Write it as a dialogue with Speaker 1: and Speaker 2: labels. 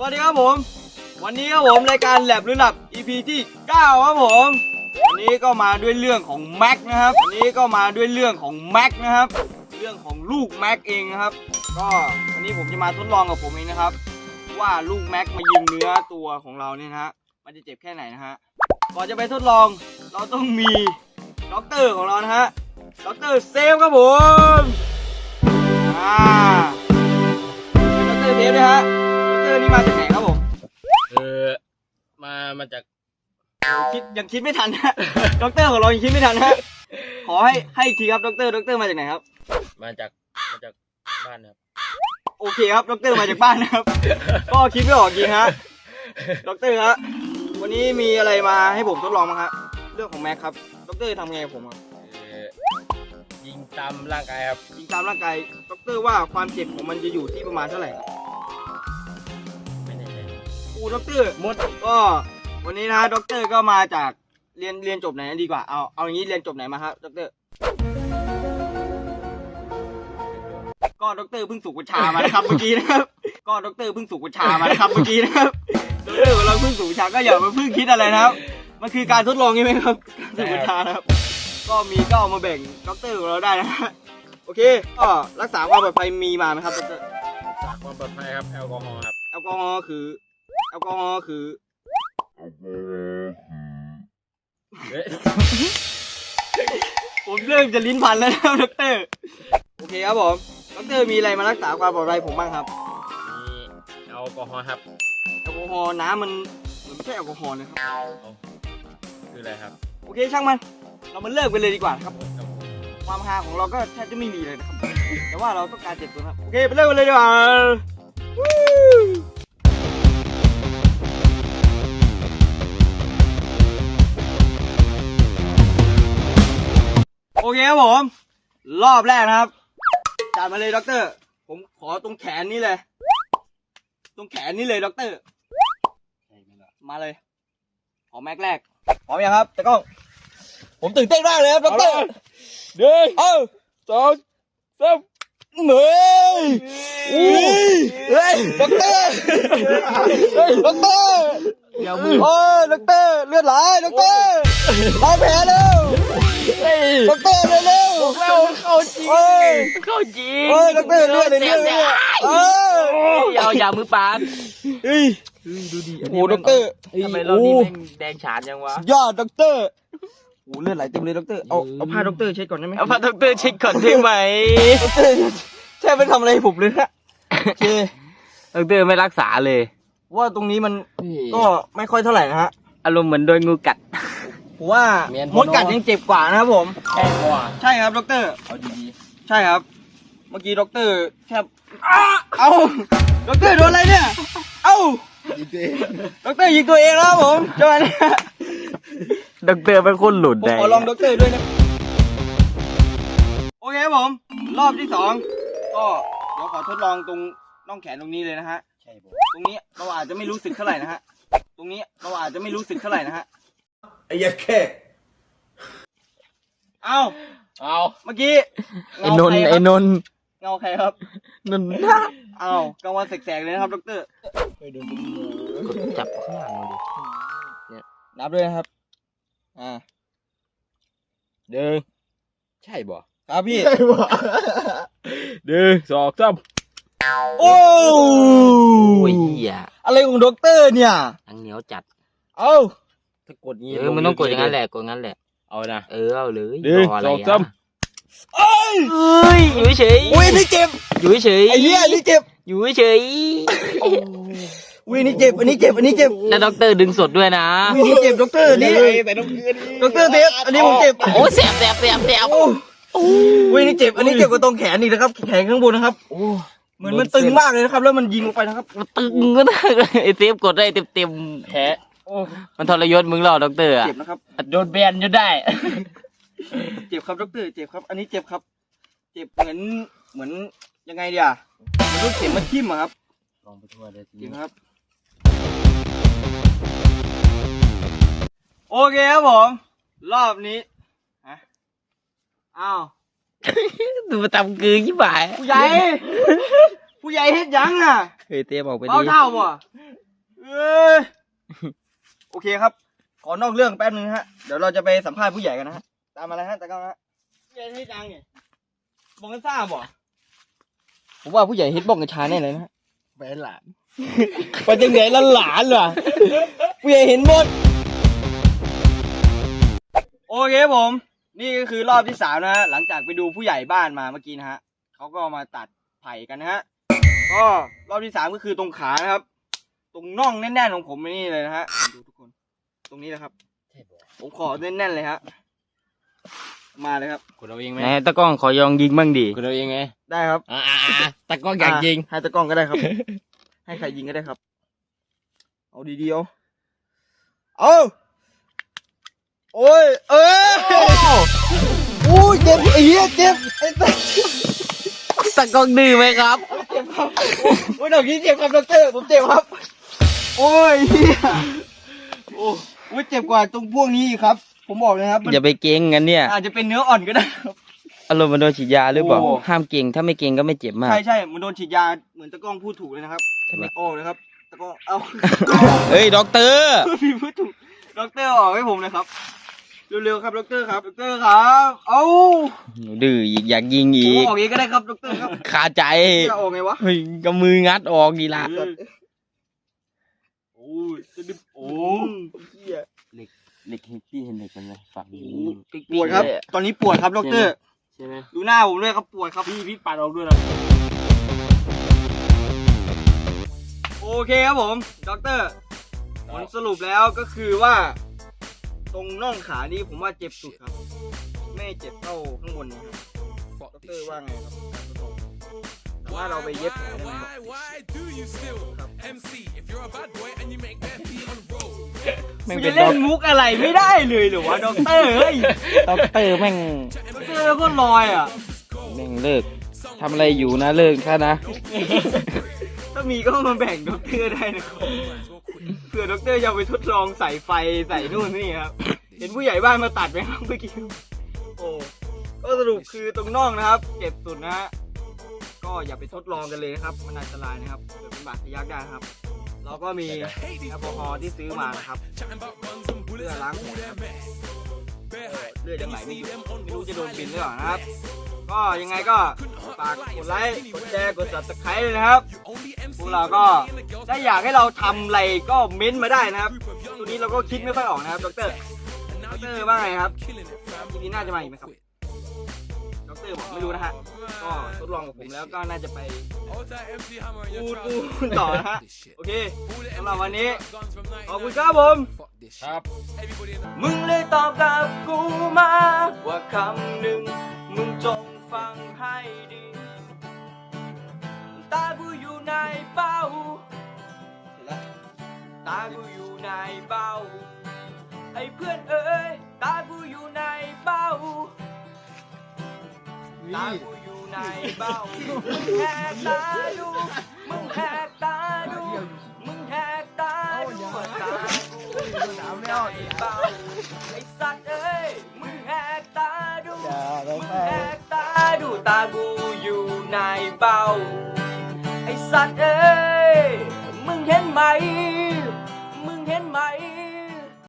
Speaker 1: วัสดีครับผมวันนี้ครับผมรายการแลบหรือหลับ EP ที่9ครับผมวันนี้ก็มาด้วยเรื่องของแม็กนะครับวันนี้ก็มาด้วยเรื่องของแม็กนะครับเรื่องของลูกแม็กเองนะครับก็วันนี้ผมจะมาทดลองกับผมเองนะครับว่าลูกแม็กมายิงเนื้อตัวของเราเนี่ยนะฮะมันจะเจ็บแค่ไหนนะฮะก่อนจะไปทดลองเราต้องมีด็อกเตอร์ของเรานะฮะด็อกเตอร์เซฟครับผมด็อกเตอร์เซฟนะฮะด็อกเตอร์นี่มาจากไหนครับผม
Speaker 2: มาจาก
Speaker 1: ยังคิดไม่ทันฮะ ด็อกเตอร์ของเรายังคิดไม่ทันฮะขอให้อีกทีครับด็อกเตอร์มาจากไหนครับ
Speaker 2: มาจากบ้านครับ
Speaker 1: โอเคครับด็อกเตอร์มาจากบ้านนะครับ ก็คิดไม่ออกจริงฮะด็อกเตอร์ฮะวันนี้มีอะไรมาให้ผมทดลองมั้งฮะเรื่องของแม็กครับด็อกเตอร์ทำไงกับผมครับ
Speaker 2: ยิงตามร่างกายครับ
Speaker 1: ยิงตามร่างกายด็อกเตอร์ว่าความเจ็บของมันจะอยู่ที่ประมาณเท่าไหร่ครับ
Speaker 2: ไม่แน่ใจ
Speaker 1: ด็อกเตอร์หมดก็วันนี้นะด็อกเตอร์ก็มาจากเรียนจบไหนดีกว่าเอาอย่างนี้เรียนจบไหนมาครับด็อกเตอร์ก็ด็อกเตอร์เพิ่งสูบกัญชามานะครับเมื่อกี้นะครับก็ด็อกเตอร์เพิ่งสูบกัญชามานะครับเมื่อกี้นะครับด็อกเตอร์ของเราเพิ่งสูบกัญชาก็อย่ามาเพิ่งคิดอะไรนะครับมันคือการทดลองใช่ไหมครับสูบกัญชานะครับก็เอามาแบ่งด็อกเตอร์ของเราได้นะฮะโอเคก็รักษาความปลอดภัยมีมาไหมครับด็อกเตอร์
Speaker 2: รักษาความปลอดภัยครับแอลกอฮอล์ครับ
Speaker 1: แอลกอฮอล์คือผมเริ่มจะลิ้นพันแล้วนะครับด็อกเตอร์โอเคครับผมด็อกเตอร์มีอะไรมารักษาความปลอดภัยผมบ้างครับ
Speaker 2: มีแอลกอฮอล์ครับ
Speaker 1: แอลกอฮอล์น้ำมันไม่ใช่แอลกอฮอล์นะครับ
Speaker 2: คืออะไรครับ
Speaker 1: โอเคช่างมันเรามาเลิกไปเลยดีกว่าครับความฮาของเราก็แทบจะไม่มีเลยนะครับแต่ว่าเราต้องการเจ็บตัวครับโอเคไปเลิกไปเลยดีกว่าโอเคครับผมรอบแรกนะครับจัดมาเลยด็อกเตอร์ผมขอตรงแขนนี้เลยตรงแขนนี้เลยด็อกเตอร์มาเลยขอแม็กแรกพร้อมยังครับตะก้องผมตื่นเต้นมากเลยครับด็อกเตอร์
Speaker 2: เดิน2 3
Speaker 1: เหนื่อยด็อกเตอร์ด็อกเตอร์
Speaker 2: อย่ามือ
Speaker 1: โอ้ยด็อกเตอร์เลือดไหลด็อกเตอร์ล้างแผลเร็วด็อกเตอร์เร็ว
Speaker 2: เข้าจริง
Speaker 1: โอ้ยด็อกเตอร์เลือด
Speaker 2: อย่ามือปาก
Speaker 1: ดูดิโอ้ด็อกเตอร์
Speaker 2: ทำไมเรานี่แม่งแดงฉานยังวะ
Speaker 1: ยอดด็อกเตอร์โอ้เลือดไหลเต็มเลยด็อกเตอร์เอาผ้าด็อกเตอร์เช็ดก่อนได้ไหม
Speaker 2: เอาผ้าด็อกเตอร์เช็ดก่อนได้ไหม
Speaker 1: ด็อกเตอร์แช่ไปทำอะไรผมเลยฮะโอเค
Speaker 2: ด็อกเตอร์ไม่รักษาเลย
Speaker 1: ว่าตรงนี้มันก็ไม่ค่อยเท่าไหร่นะฮะ
Speaker 2: อารมณ์เหมือนโดนงูกัด
Speaker 1: ผมว่ามดกัดยังเจ็บกว่านะครับผมใช่ครับด็อกเตอร์เอาดีๆใช่ครับเมื่อกี้ด็อกเตอร์แค่เอาด็อกเตอร์โดนอะไรเนี่ยเอาด็อกเตอร์ยิงตัวเองแล้วผมจังหวะนี้
Speaker 2: ด็อกเตอร์เป็นคนหลุด
Speaker 1: ได้ผมขอลองด็อกเตอร์ด้วยนะโอเคครับผมรอบที่2ก็เดี๋ยวขอทดลองตรงน่องแขนตรงนี้เลยนะฮะใช่ผมตรงนี้เราอาจจะไม่รู้สึกเท่าไหร่นะฮะตรงนี้เราอาจจะไม่รู้สึกเท่าไหร่นะฮะ
Speaker 3: ไอ้ยักษ์แค่
Speaker 1: เอาเมื่อกี้
Speaker 2: ไอ้นน
Speaker 1: เงาใครครับ
Speaker 2: นน
Speaker 1: เอากลางวันแสกๆเลยนะครับด็อกเตอร์
Speaker 2: จับข้างหลังมาดิ
Speaker 1: เนี่ยนับด้วยนะครับ
Speaker 2: เดินใช่บ่
Speaker 1: ครับพี่
Speaker 2: ใช่บ่เดิน2 3
Speaker 1: โอ้
Speaker 2: ยเหี้ย
Speaker 1: อะไรของด็อกเตอร์เนี่ย
Speaker 2: อังเหนียวจัด
Speaker 1: เอา
Speaker 2: ถ้ากดงี้มันต้องกดอย่างนั้นแหละกดงั้นแหละเอานะเอาเลย2 3อยู่เฉย
Speaker 1: อุ้ยนี่เจ็บ
Speaker 2: อยู่เฉย
Speaker 1: ไอ้เหี้ยนี่เจ็บ
Speaker 2: อยู่เฉย
Speaker 1: อุ้ยนี่เจ็บอันนี้เจ็บ
Speaker 2: แล้วด็อกเตอร์ดึงสดด้วยนะ
Speaker 1: อุ้ยนี่เจ็บด็อกเตอร์นี่แต่ด็อกเตอร์เจ็บอันนี้ผมเจ็บ
Speaker 2: โอ้แสบ
Speaker 1: อุ้ยนี่เจ็บอันนี้เจ็บกว่าตรงแขนอีกนะครับแขนข้างบนนะครับเหมือนมันตึงมากเลยนะครับแล้วมันยิงลงไปนะครับ
Speaker 2: มันตึงก็ได้ไอ้เซฟกดได้เต็มแผลมันทรยศมึงหรอด็อกเตอร์
Speaker 1: เจ็บนะครับ
Speaker 2: โดนแบนจนได้
Speaker 1: เจ็บครับด็อกเตอร์เจ็บครับอันนี้เจ็บครับเจ็บเหมือนยังไงเดียวมันลูกเข็มมาทิ่มอะครับ
Speaker 2: ลองไปทั่วเลย
Speaker 1: จริงครับโอเคครับผมรอบนี้อ้าว
Speaker 2: ดูมาทำกือยี่บ่าย
Speaker 1: ผู้ใหญ่เฮ็ดยังอ่ะ
Speaker 2: เฮ้ยเตี้ยบอกไปดิ
Speaker 1: เบาเท่าบ่เอ้ยโอเคครับ ขอนอกเรื่องแป๊บนึงฮะ เดี๋ยวเราจะไปสัมภาษณ์ผู้ใหญ่กันนะฮะ ตามมาเลยฮะตากล้องฮะผู้ใหญ่ให้จังเนี่ยบอกกันทราบบ่ผมว่าผู้ใหญ่ฮิตบ้องกัญชาแน่เลยนะฮะ
Speaker 3: แฟนหลาน
Speaker 1: ไปจังไหนละหลานเหรอผู้ใหญ่เห็นหมด โอเคผม นี่ก็คือรอบที่3นะฮะ หลังจากไปดูผู้ใหญ่บ้านมาเมื่อกี้นะฮะเขาก็มาตัดไผ่กันนะฮะ ก็รอบที่3ก็คือตรงขานะครับ ตรงน่องแน่นๆของผมนี่เลยนะฮะ ดูทุกคน ตรงนี้นะครับ ผมขอแน่นๆเลยฮะ มาเลยครับ
Speaker 3: คุณเอาเองไหม
Speaker 2: ไหนตะกล้องขอยองยิงบ้างดิ
Speaker 3: คุณเอาเองไง
Speaker 1: ได้ครับ
Speaker 3: ตะกล้องอยากยิง
Speaker 1: ให้ตะกล้องก็ได้ครับ ให้ใครยิงก็ได้ครับ เอาดีๆเอาโอ้ย เอ้ยโอ้ยเจ็บไอ้เหี้ยเจ็บไอ้สัส
Speaker 2: ตะกล้องดื้อไหมครับ
Speaker 1: เจ็บครับโอ้ยดอกนี้เจ็บครับดอกเตอร์ผมเจ็บครับ โอ้ยเหี้ยโอ้ยเจ็บกว่าตรงพวกนี้อีกครับ ผมบอกเลยครับมัน
Speaker 2: อย่าไปเก่งกันเนี่ย
Speaker 1: อาจจะเป็นเนื้ออ่อนก็ได้ครับ
Speaker 2: อารมณ์มันโดนฉีดยาหรือเปล่า
Speaker 1: โอ้
Speaker 2: ห้ามเก่งถ้าไม่เก่งก็ไม่เจ็บมาก
Speaker 1: ใช่มันโดนฉีดยาเหมือนตะกล้องพูดถูกเลยนะครับโอ้นะครับตะกล้องเอา
Speaker 2: เฮ้ยด็อกเตอร์
Speaker 1: พี่พูดถูกด็อกเตอร์ออกให้ผมเลยครับเร็วๆครับด็อกเตอร์ครับด็อกเตอร์ครับเอา
Speaker 2: ดื้ออีกอยากยิง
Speaker 1: ผม
Speaker 2: อีก
Speaker 1: ออกเองก็ได้ครับด็อกเตอร์ครับ
Speaker 2: คาใจ
Speaker 1: จะออกไงวะ
Speaker 2: เฮ้ยก็มืองัดออกดีละ
Speaker 1: โอ้ยจะดึบโอ้เหี้ย
Speaker 3: เหล็กพี่เห็นเหล็กมันไหมฝั่งนี้
Speaker 1: ปวดครับ ตอนนี้ปวดครับด็อกเตอร์
Speaker 3: ใช่ไหม
Speaker 1: ดูหน้าผมด้วยครับปวดครับพี่ปัดออกด้วยนะโอเคครับผมด็อกเตอร์ผลสรุปแล้วก็คือว่า ตรงน่องขานี่ผมว่าเจ็บสุดครับ ไม่เจ็บเท่าข้างบนนี้ครับด็อกเตอร์ว่าไงครับแต่ว่าเราไปเย็บแผลได้ไหมครับมึงจะเล่นมุกอะไรไม่ได้เลยเหรอวะด็อกเตอร์เฮ้ย
Speaker 2: ด็อกเตอร์แม่ง
Speaker 1: ด็อกเตอร์ก็ลอยอ่ะ
Speaker 2: แม่งเลิกทำอะไรอยู่นะเลิกซะนะ
Speaker 1: ถ้ามีก็มาแบ่งด็อกเตอร์ได้นะครับเผื่อด็อกเตอร์จะเอาไปทดลองใส่ไฟใส่นู่นนี่ครับ เห็นผู้ใหญ่บ้านมาตัดไหมครับเมื่อกี้โอ้ก็สรุปคือตรงน่องนะครับเจ็บสุดนะฮะก็อย่าไปทดลองกันเลยนะครับมันอันตรายนะครับเดี๋ยวเป็นบาดทะยักได้นะครับ เราก็มีแอลกอฮอล์ที่ซื้อมานะครับเพื่อล้างแผลครับเลือดยังไหลไม่หยุดไม่รู้จะโดนบินหรือเปล่านะครับ ก็ยังไงก็ฝากกดไลค์กดแชร์กด Subscribe เลยนะครับพวกเราก็ถ้าอยากให้เราทำอะไรก็เม้นต์มาได้นะครับตัวนี้เราก็คิดไม่ค่อยออกนะครับด็อกเตอร์ว่าไงครับทีนี้น่าจะมาอีกไหมครับด็อกเตอร์บอกไม่รู้นะฮะก็ทดลองกับผมแล้วก็น่าจะไปพูดต่อนะฮะโอเคสำหรับวันนี้ขอบคุณครับผม
Speaker 3: ครับ
Speaker 1: มึงเลยตอบกับกูมาว่าคำหนึ่งมึงจงฟังให้ดีตากูอยู่ในเป้าตากูอยู่ในเป้าไอ้เพื่อนเอ้ยตากูอยู่ในเป้าตากูอยู่ในเป้ามึงแหกตาดูมึงแหกตาดูมึงแหกตาดูตากูอยู่ในเป้าไอ้สัตว์เอ้ยมึงแหกตาดูมึงแหกตาดูตากูอยู่ในเป้าไอ้สัตว์เอ้ยมึงเห็นไหมมึงเห็นไหม